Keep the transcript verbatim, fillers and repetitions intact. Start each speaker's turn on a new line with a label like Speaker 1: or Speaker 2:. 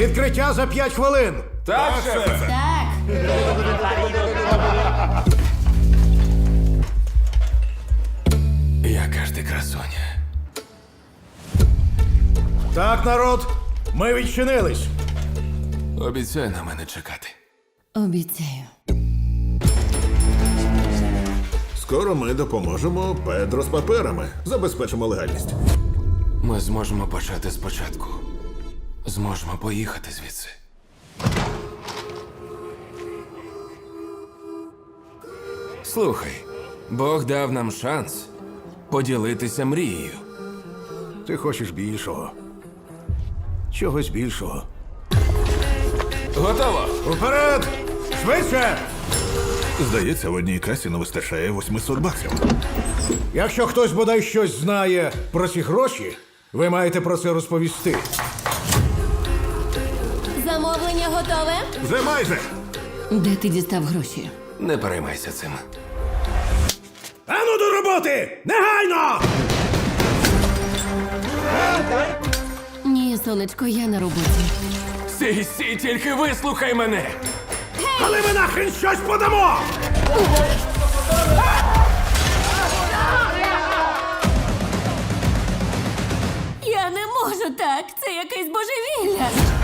Speaker 1: Відкриття за п'ять хвилин.
Speaker 2: Так, шефе.
Speaker 3: Так.
Speaker 2: Яка ж ти красуня.
Speaker 1: Так, народ, ми відчинились.
Speaker 2: Обіцяй на мене чекати.
Speaker 3: Обіцяю.
Speaker 4: Скоро ми допоможемо Педро з паперами. Забезпечимо легальність.
Speaker 2: Ми зможемо почати спочатку. Зможемо поїхати звідси. Слухай, Бог дав нам шанс поділитися мрією.
Speaker 1: Ти хочеш більшого. Чогось більшого.
Speaker 2: Готово!
Speaker 1: Уперед! Швидше!
Speaker 4: Здається, в одній касі не вистачає восьмисот баксів.
Speaker 1: Якщо хтось бодай щось знає про ці гроші, ви маєте про це розповісти.
Speaker 3: Замовлення готове?
Speaker 4: Вже майже!
Speaker 3: Де ти дістав гроші?
Speaker 2: Не переймайся цим.
Speaker 1: Ану до роботи! Негайно!
Speaker 3: Ні, сонечко, я на роботі.
Speaker 2: Сій, сій, тільки вислухай мене!
Speaker 1: Але ми нахрен щось подамо!
Speaker 3: Я не можу так. Це якесь божевілля.